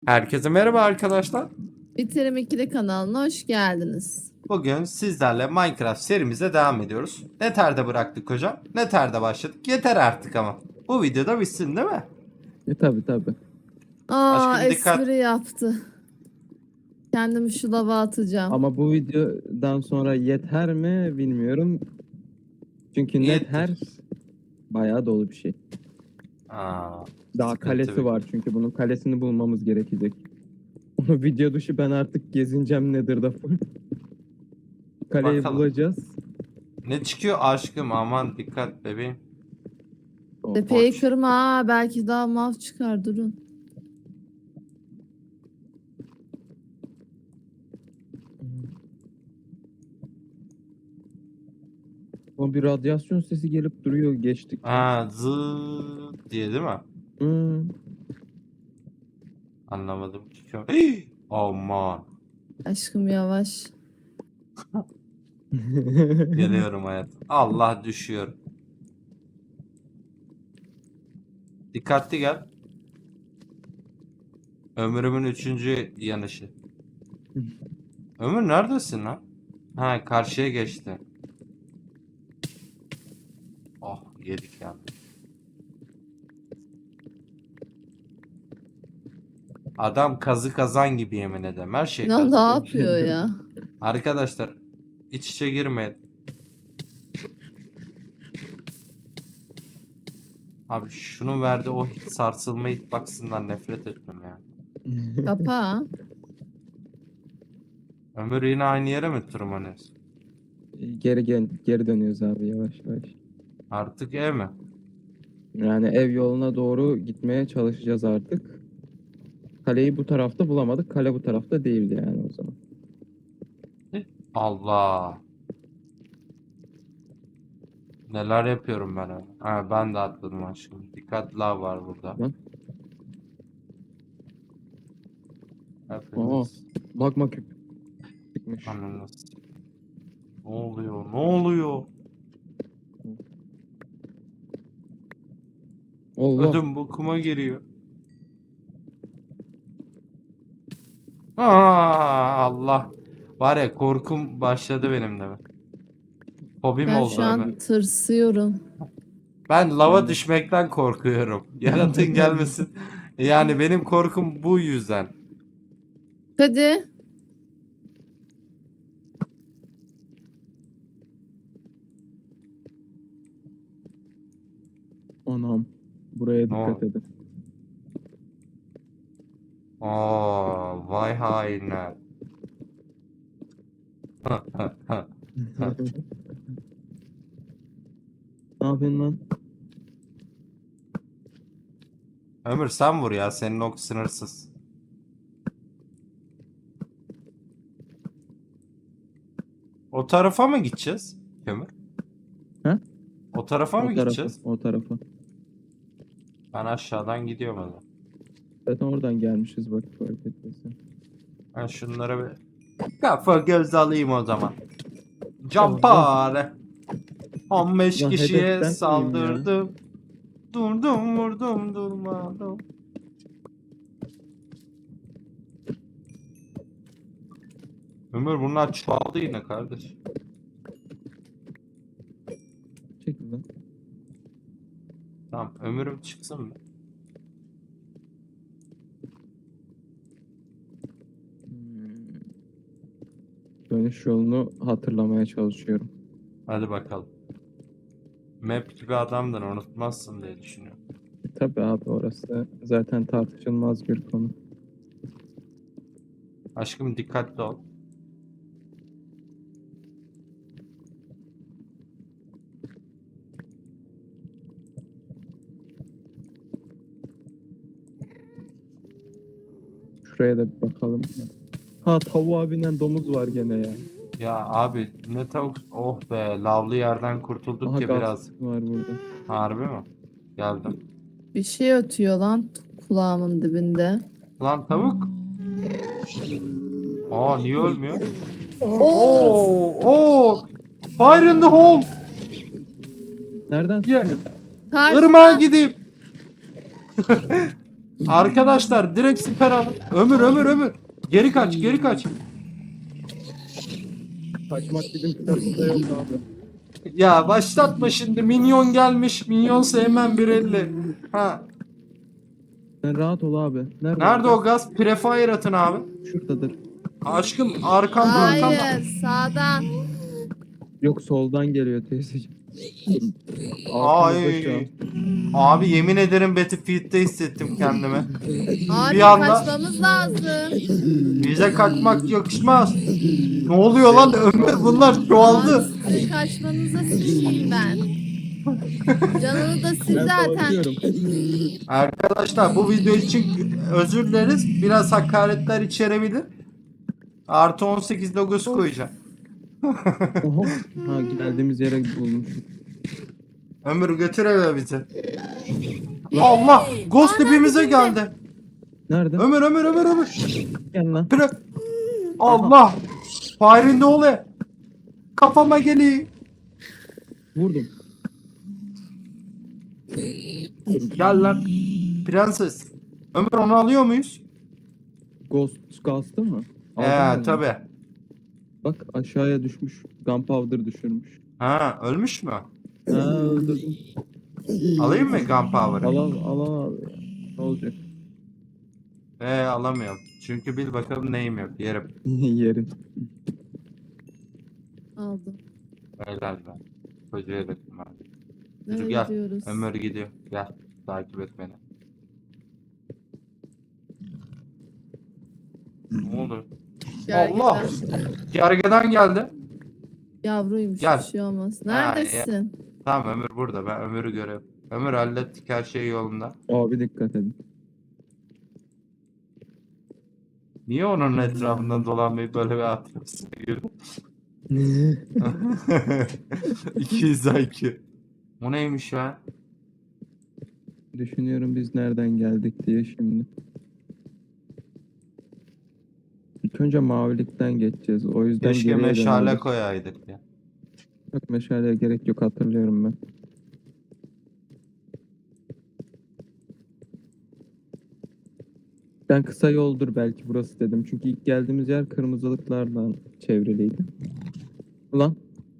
Herkese merhaba arkadaşlar. Bitirim 2'li kanalına hoş geldiniz. Bugün sizlerle Minecraft serimize devam ediyoruz. Nether'de bıraktık hocam. Nether'de başladık. Yeter artık ama. Bu videoda bitsin değil mi? Tabii. Aşkım dikkat. Espri yaptı. Kendimi şu lava atacağım. Ama bu videodan sonra yeter mi bilmiyorum. Çünkü Yeter. Nether bayağı dolu bir şey. Aa, Daha sıkıntı kalesi bir- var çünkü bunun kalesini bulmamız gerekecek. Onu video dışı ben artık gezineceğim Nether'da full. Kaleyi Bakalım. bulacağız. Ne çıkıyor aşkım? Aman dikkat bebeğim. Tepeyi Boş. kırma ha, belki daha mav çıkar, durun. O bir radyasyon sesi gelip duruyor geçtik. Ha, zıt diye değil mi? Anlamadım. Çıkıyor. Aman. Aşkım yavaş. Geliyorum hayatım. Allah düşüyor. Dikkatli gel. Ömrümün 3. yanışı. Ömür neredesin lan? Ha, karşıya geçti. Oh, yedik ya. Adam kazı kazan gibi, yemin ederim. Her şey Ne kazı. yapıyor ya? Arkadaşlar, iç içe girmeyin. Abi şunun verdiği o sarsılma hitbox'ından nefret ettim ya. Kapa. Ömür yine aynı yere mi tırmanıyorsun? Geri dönüyoruz abi yavaş yavaş. Artık ev mi? Yani ev yoluna doğru gitmeye çalışacağız artık. Kaleyi bu tarafta bulamadık. Kale bu tarafta değildi yani o zaman. Allah. Neler yapıyorum ben öyle. Ha, ben de atladım aşkım. Dikkat, lav var burada. Lan. Hepiniz. Magma küp çıkmış. Anladınız. Ne oluyor? Ne oluyor? Allah. Ödüm bokuma giriyor. Aa, Allah. Var ya, korkum başladı benim de. Hobim Ben oldu şu an hemen. tırsıyorum. Ben lava Ben de. düşmekten korkuyorum. Yaratığın gelmesin. Yani benim korkum bu yüzden. Hadi. Anam. Buraya Ne dikkat oldu? edin. Aa, vay hainler. Ne yapıyorsun lan? Ömür sen vur ya, senin ok sınırsız. O tarafa mı gideceğiz Ömür? He? O tarafa mı O tarafa. gideceğiz? O tarafa. Ben aşağıdan gidiyorum o zaman. Zaten oradan gelmişiz bak fark ettiysen. Ben şunlara bir kafa göz alayım o zaman. Campare. Allah. 15 Ya kişiye hedef ben miyim ya? saldırdım. Durdum vurdum durmadım. Ömür bunlar çoğaldı yine kardeş. Çekil lan. Tamam, ömürüm çıksın mı? Dönüş yolunu hatırlamaya çalışıyorum. Hadi bakalım. Map gibi adamdın, unutmazsın diye düşünüyorum. Tabii abi orası zaten tartışılmaz bir konu. Aşkım dikkatli ol. Şuraya da bir bakalım. Ha tavuğa binen domuz var gene ya. Ya abi ne tavuk, oh be, lavlı yerden kurtulduk Aha ki gaz biraz. var burada. Harbi mi? Geldim. Bir şey ötüyor lan kulağımın dibinde. Lan tavuk. Aa, niye ölmüyor? Oo. Oo. Fire in the hole. Nereden? Yeah. Karşıdan. Irmağa gideyim. Arkadaşlar direkt siper alın. Ömür. Geri kaç. Kaçmak bizim kitabımızda yok abi. Ya başlatma şimdi. Minyon gelmiş. Minyon sevmem 1.50. Ha. Sen rahat ol abi. Nerede o gaz? Prefire atın abi. Şuradadır. Aşkım arkamda. Hayır sağdan. Yok soldan geliyor teyzeciğim. Ay. Arkamızda şu an. Abi yemin ederim Battlefield'de hissettim kendimi. Abi Bir anda- kaçmamız lazım. Bize kaçmak yakışmaz. Ne oluyor lan? Ömür bunlar çoğaldı. Abi sizin kaçmanıza sıçayım ben. Canını da siz Ben zaten. korkuyorum. Arkadaşlar bu video için özür dileriz. Biraz hakaretler içerebilir. Artı 18 logosu koyacağım. Oha. Ha geldiğimiz yere bulmuş. Ömür götür eve bizi. Allah! Ghost dibimize geldi. Nerede? Ömür. Gel lan. Bırak. Allah! Fire'in ne oluyor? Kafama geliyor. Vurdum. Gel lan. Prenses. Ömür onu alıyor muyuz? Ghost'u mu? Aldın mı? Tabi. Bak aşağıya düşmüş. Gunpowder düşürmüş. Ha ölmüş mü? Ha öldürdüm. Alayım mı Gunpowder'ı? Al abi. Ne olacak? Alamıyorum. Çünkü bil bakalım neyim yok. Yerim. Yerin. Aldım. Helal ben. Kocaya döktüm abi. Nereye Gel. gidiyoruz? Ömür gidiyor. Gel. Takip et beni. Ne oldu? Gel, Allah! gel. Gergedan geldi. Yavruymuş Gel. bir şey olmaz. Ha, Neredesin? Tamam Ömür burada. Ben Ömür'ü görüyorum. Ömür hallettik her şey yolunda. Abi dikkat edin. Niye onun etrafından dolanmayıp böyle bir atıyorsun? 200 IQ. O neymiş ya? Düşünüyorum biz nereden geldik diye şimdi. İlk önce mavilikten geçeceğiz. O yüzden Keşke geriye meşale dönüyoruz. koyaydık ya. Yok meşaleye gerek yok hatırlıyorum ben. Ben kısa yoldur belki burası dedim. Çünkü ilk geldiğimiz yer kırmızılıklarla çevriliydi. Ulan.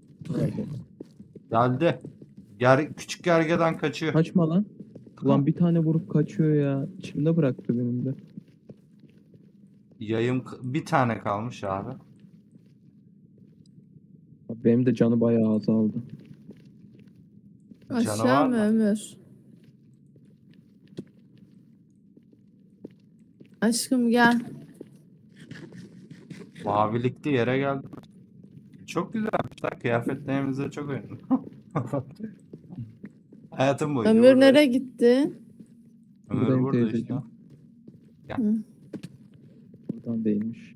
Geldi. Küçük gergedan kaçıyor. Kaçma lan. Ulan bir tane vurup kaçıyor ya. İçimde bıraktı benim de. Yayım bir tane kalmış abi. Benim de canı bayağı azaldı. Canavar Aşağı mı mı? Ömür? Aşkım gel. Mavilikli yere geldi. Çok güzelmiş lan. Kıyafetlerimize çok uyumlu. Hayatım boyunca Ömür burada. nereye gitti? Ömür Buradayım burada işte. teyzeciğim. Buradan değilmiş.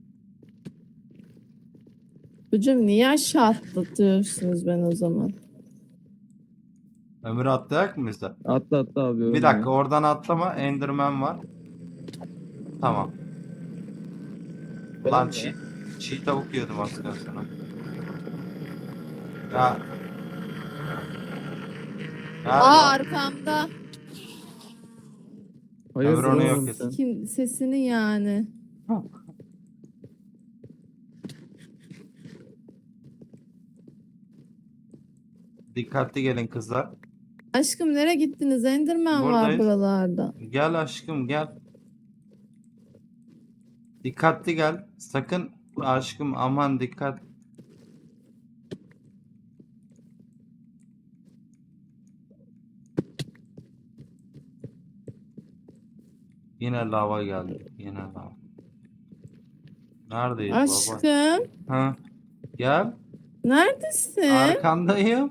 Hocam niye aşağı atlatıyorsunuz ben o zaman? Ömür atlayak mı bize? Atla abi. Bir ölme. dakika oradan atlama. Enderman var. Tamam. Lan çiğ tavuk yiyordum az sonra. Ya. Aa arkamda. Hayır Ömür onu oğlum yok sen. Kim sesini yani. Dikkatli gelin kızlar. Aşkım nereye gittiniz? Enderman var Buradayız. buralarda. Gel aşkım gel. Dikkatli gel. Sakın aşkım aman dikkat. Yine lava geldi. Yine lava. Neredeyiz baba? Aşkım Ha? Gel. neredesin? Arkandayım.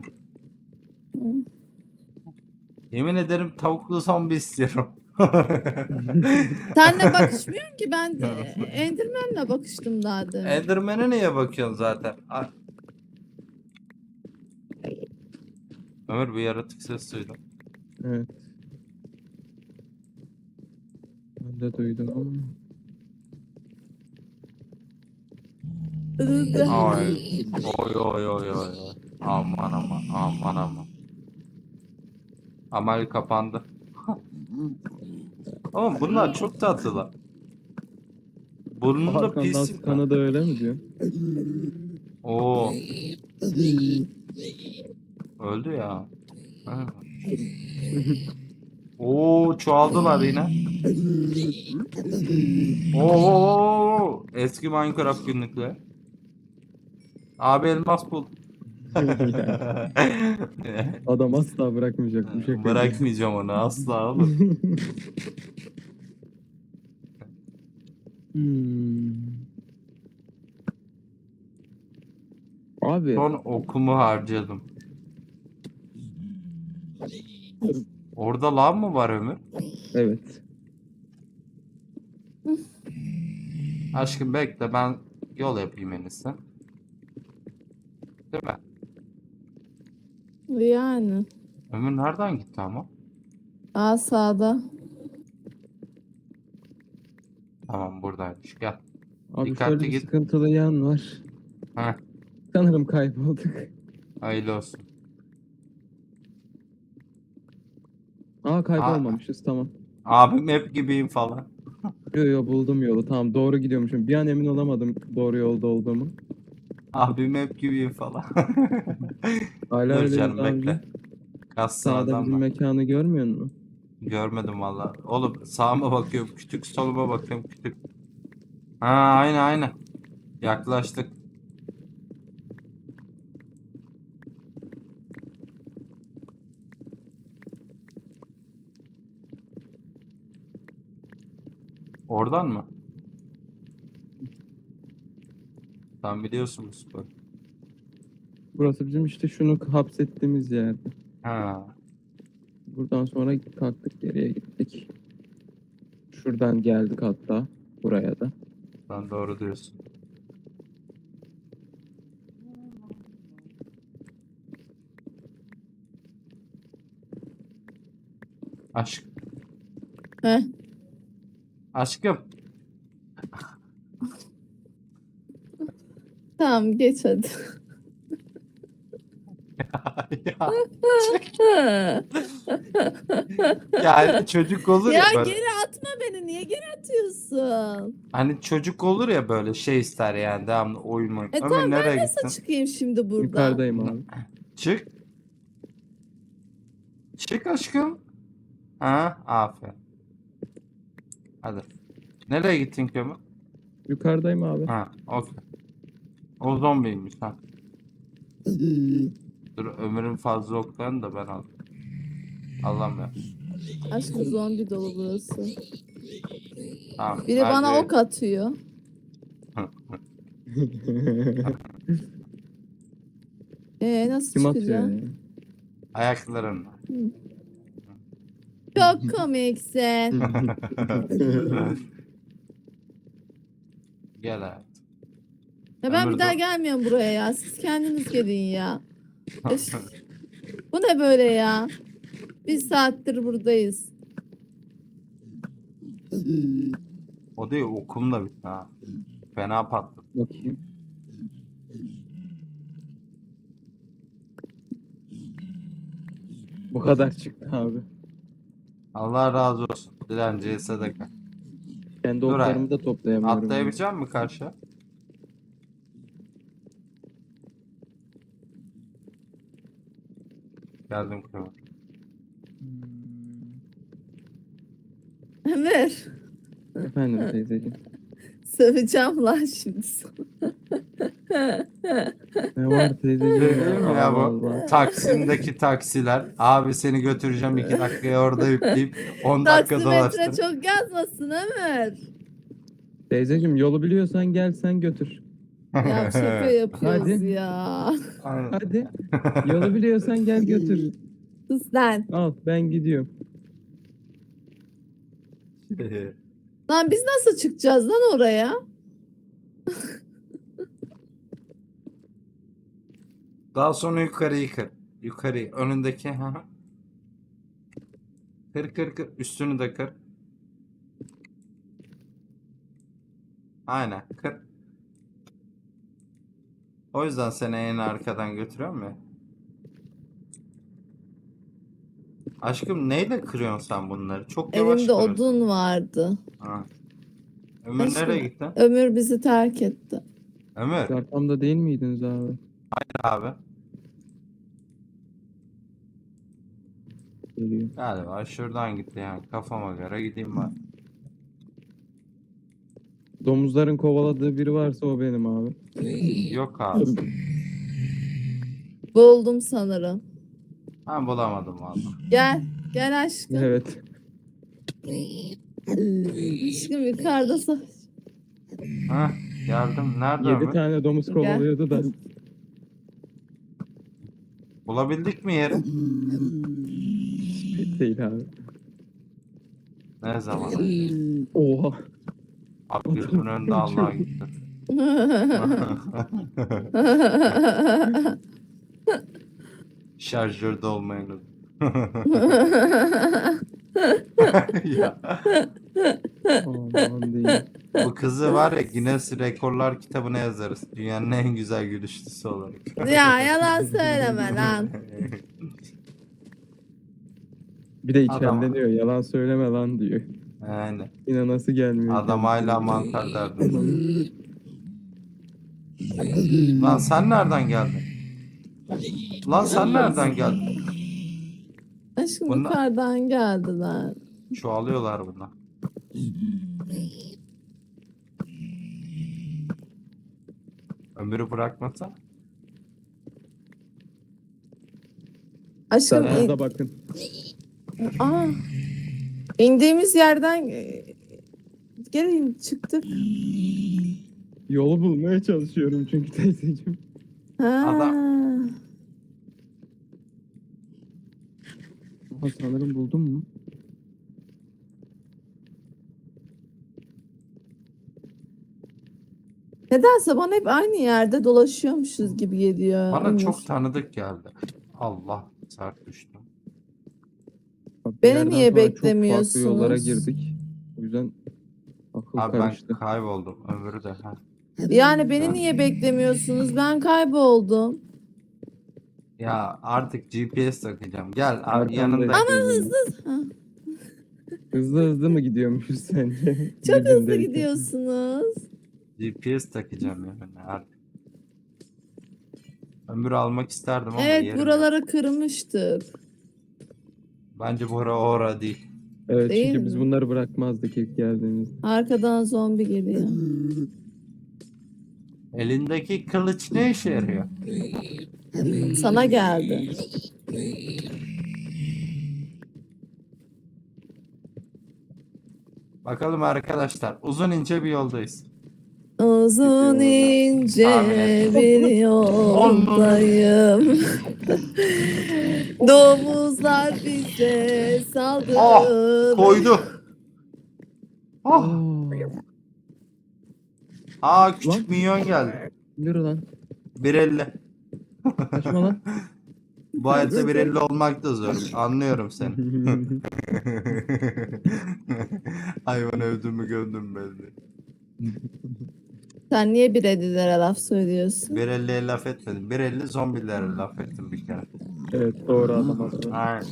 Yemin ederim tavuklu zombi istiyorum. Senle bakışmıyorsun ki ben de Enderman'le bakıştım daha demin. Enderman'e niye bakıyorsun zaten? Ömür bir yaratık ses duydum. Evet. Ben de duydum ama. Ay. Oy. Aman. Amal kapandı. Oğlum bunlar çok tatlılar. Burnunda Arkandan pislik var. sıkanı da öyle mi diyor? Oo. Öldü ya. Ha. Oo, çoğaldılar yine. Oo, eski Minecraft günlükleri. Abi elmas bul. Ya, adam asla bırakmayacak bu şakayı. Bırakmayacağım onu asla oğlum. Hmm. Abi Son okumu harcadım. Orada lav mı var Ömür? evet. Aşkım bekle, ben yol yapayım en iyisi. Değil mi? Yani. Ömür nereden gitti ama? Aa, sağda. Tamam, buradaymış, gel. Abi Dikkatli şöyle bir git. sıkıntılı yan var. Heh, Sanırım kaybolduk. hayırlı olsun. Aa, kaybolmamışız, tamam. Abim hep gibiyim falan. Yo buldum yolu, tamam, doğru gidiyormuşum. Bir an emin olamadım doğru yolda olduğumu. Abim hep gibiyim falan. Hala Dur öyleyiz canım, abi. bekle. Kassın Sağda adam bizim var. mekanı görmüyor musun? Görmedim valla. Oğlum sağıma bakıyorum kütük, soluma bakıyorum kütük. Ha, aynı aynı. Yaklaştık. Oradan mı? Sen biliyorsun bu sporu. Burası bizim işte şunu hapsettiğimiz yerde. Ha, Buradan sonra kalktık, geriye gittik. Şuradan geldik hatta buraya da. sen doğru diyorsun. Aşk. Heh. Aşkım. Tamam, geç hadi. Yani çocuk olur ya Ya böyle. geri atma beni. Niye geri atıyorsun? Hani çocuk olur ya böyle şey ister yani devamlı oyun oyun. Ömür Tamam, ben nereye nasıl gittin? çıkayım şimdi buradan? Yukarıdayım abi. Çık. Çık aşkım. Ha, aferin. Hadi. Nereye gittin Kömür? Yukarıdayım abi. Ha, okey. O zombiymiş ha. Dur, Ömür'ün fazla oklarını da ben aldım. Allah'ım ya. Aşkım, zombi dolu burası. Tamam. Biri bana ok atıyor. Nasıl Kim atıyor çıkacağım? ya? Ayaklarınla. Çok komiksin. Gel hayatım. Ya ben Ömür bir daha dur. gelmiyorum buraya ya. Siz kendiniz gelin ya. Üf. Bu ne böyle ya? Bir saattir buradayız. O değil, okum da bitti ha. Fena patladı. Bakayım. Bu kadar çıktı abi. Allah razı olsun. Dilenciye sadaka. Kendi Dur oklarımı da toplayamıyorum. Atlayabilecek misin karşı? Geldim Kömür. Ömür. Efendim teyzeciğim. Söveceğim lan şimdi sana. Ne var teyzeciğim Değil mi ya Allah bu? Allah. Taksim'deki taksiler. Abi seni götüreceğim 2 dakikaya orada yükleyip 10 dakika Taksimetre dolaştır. çok yazmasın Ömür. Teyzeciğim yolu biliyorsan gel sen götür. Ya şaka yapıyoruz Hadi. ya. Aynen. Hadi. Yolu biliyorsan gel götür. Sus lan. Al ben gidiyorum. Lan biz nasıl çıkacağız lan oraya? Daha sonra yukarıyı kır. Yukarıyı. Önündeki. Hı hı. Kır kır kır. Üstünü de kır. Aynen. Kır. O yüzden seni en arkadan götürüyorum ya. Aşkım neyle kırıyorsun sen bunları? Çok yavaş Elimde kırıyorsun. odun vardı. Ha. Ömür Aşkım, nereye gitti? Ömür bizi terk etti. Ömür. Siz arkamda değil miydiniz abi? Abi. Geliyor. Galiba şuradan gitti yani. Kafama göre gideyim ben. Domuzların kovaladığı biri varsa o benim abi. Yok abi. Buldum sanırım. Ben bulamadım valla. Gel. Gel aşkım. Evet. Aşkım yukarıda Heh, geldim. Nerede 7 Ömür? tane domuz kovalıyordu da. Bulabildik mi yeri? Değil abi. Ne zaman? Oha. Abi gözümün önünde Allah gitti. Şarjörde olmayın. Ya, Aman değil. bu kızı var ya Guinness Rekorlar kitabına yazarız. Dünyanın en güzel gülüşlüsü olarak. Ya yalan söyleme lan. Bir de Adam. içerleniyor. Yalan söyleme lan diyor. Yani Yine nasıl gelmiyor? adam kendisi? hala mantar derdi. Lan sen nereden geldin? Lan sen nereden geldin? Aşkım Bunlar- yukarıdan geldiler. Çoğalıyorlar bunlar. Ömürü bırakmasa. Aşkım Sağda bakın. aa, indiğimiz yerden gelin çıktık. Yolu bulmaya çalışıyorum çünkü teyzeciğim. Ha. Ha, sanırım buldum mu? Nedense bana hep aynı yerde dolaşıyormuşuz gibi geliyor. Bana Ömür. çok tanıdık geldi. Allah sert düştüm. Bak, bir Beni yerden niye sonra Çok farklı beklemiyorsunuz? yollara girdik. O yüzden akıl Abi ben karıştı. kayboldum. Ömürü de. Ha. Yani beni niye beklemiyorsunuz? Ben kayboldum. Ya artık GPS takacağım. Gel Arkandayım. yanında. Ha, Hızlı hızlı mı gidiyormuşuz sence? çok hızlı Birbirindeyken. gidiyorsunuz. GPS takacağım yani artık. Ömür almak isterdim ama Evet yerim buraları yok. kırmıştık. Bence bura ora değil. Evet Değil çünkü biz mi? bunları bırakmazdık ilk geldiğimizde. Arkadan zombi geliyor. Elindeki kılıç ne işe yarıyor? Sana geldi. Bakalım arkadaşlar. Uzun ince bir yoldayız. Uzun ince Tahmin ettim. bir yoldayım. Domuzlar bize saldırdı. Koydu. Oh. Aa, Aa küçük Lan. minyon geldi. yürü lan. 1.50. Kaçma lan. Bu hayatta 1.50 olmak da zor. Anlıyorum seni. Hayvan övdüğümü gömdüm belli. Sen niye bir edilere laf söylüyorsun? 1.50'ye laf etmedim. 1.50 zombilere laf ettim bir kere. Evet doğru adam aslında. Aynen.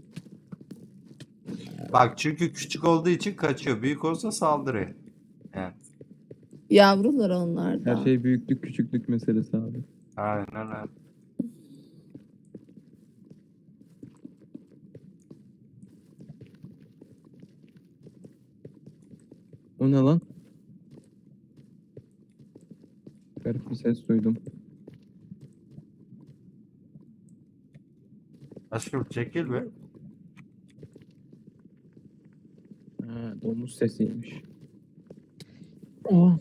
Bak çünkü küçük olduğu için kaçıyor. Büyük olsa saldırıyor. Evet. Yavrular onlar da. Her şey büyüklük küçüklük meselesi abi. Aynen öyle. O ne lan? Garip bir ses duydum. Aşkım çekil be. Ha, domuz sesiymiş. Oh.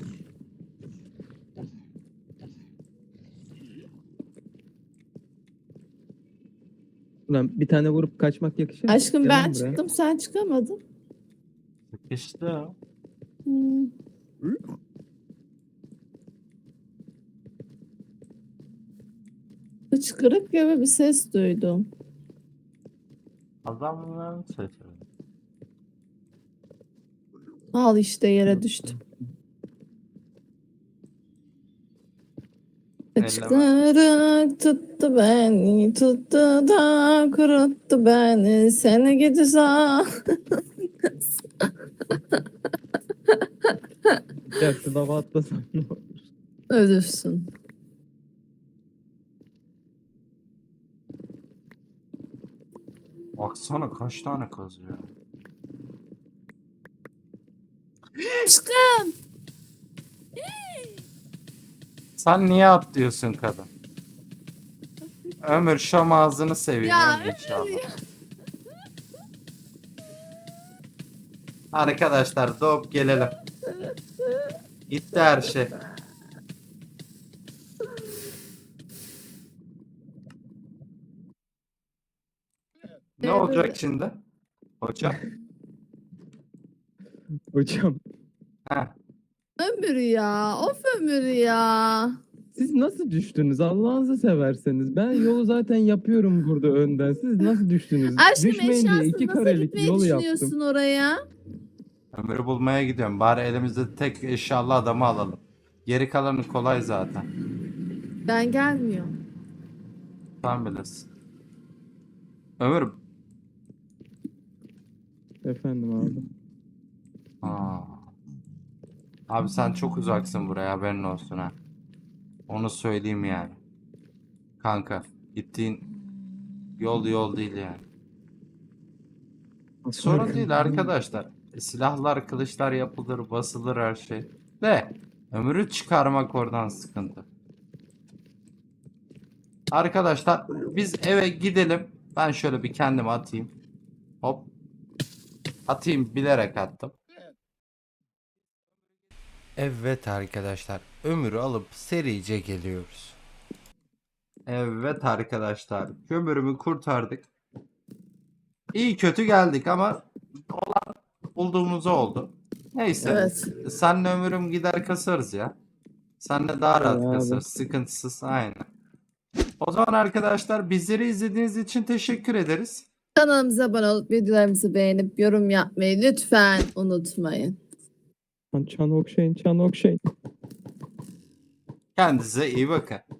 Ulan bir tane vurup kaçmak yakışır mı? Aşkım Gel ben lan buraya. çıktım sen çıkamadın. İşte. Hmm. Hıçkırık gibi bir ses duydum. Adamların sesi. Al işte yere düştüm. Hıçkırık tuttu beni, tuttu da kuruttu beni. Seni gidi sağ. Ya şu lava atlasam ne olur? Ölürsün. Baksana kaç tane kazıyor. Aşkım. Sen niye atlıyorsun kadın? Ömür şam ağzını seveyim Ya Ömür inşallah. Arkadaşlar doğup gelelim. Gitti her şey. Ne Evet, olacak evet. şimdi? Hocam. Hocam Heh. Ömür ya. Of Ömür ya. siz nasıl düştünüz Allah'ınızı severseniz? Ben yolu zaten yapıyorum burada önden. Siz nasıl düştünüz? Aşkım Düşmeyin diye eşyasız 2 nasıl karelik gitmeyi yol düşünüyorsun yaptım. oraya? Ömür'ü bulmaya gidiyorum. Bari elimizde tek eşyalı adamı alalım. Geri kalanı kolay zaten. Ben gelmiyorum. Sen bilirsin. Ömür. Efendim abi. Aa. Abi sen çok uzaksın buraya haberin olsun ha. Onu söyleyeyim yani. Kanka gittiğin yol değil yani. Sorun değil arkadaşlar. Silahlar, kılıçlar yapılır, basılır her şey. De ömrü çıkarmak oradan sıkıntı. Arkadaşlar biz eve gidelim. Ben şöyle bir kendimi atayım. Hop. Atayım bilerek attım. Evet arkadaşlar. Ömür'ü alıp serice geliyoruz. Evet arkadaşlar. Kömürümü kurtardık. İyi kötü geldik ama olan bulduğumuz oldu. Neyse. Evet. Senle Ömür'üm gider kasarız ya. Senle daha rahat Abi. kasarız. Sıkıntısız. Aynen. O zaman arkadaşlar bizleri izlediğiniz için teşekkür ederiz. Kanalımıza abone olup videolarımızı beğenip yorum yapmayı lütfen unutmayın. Çan okşayın, çan okşayın. Kendinize iyi bakın.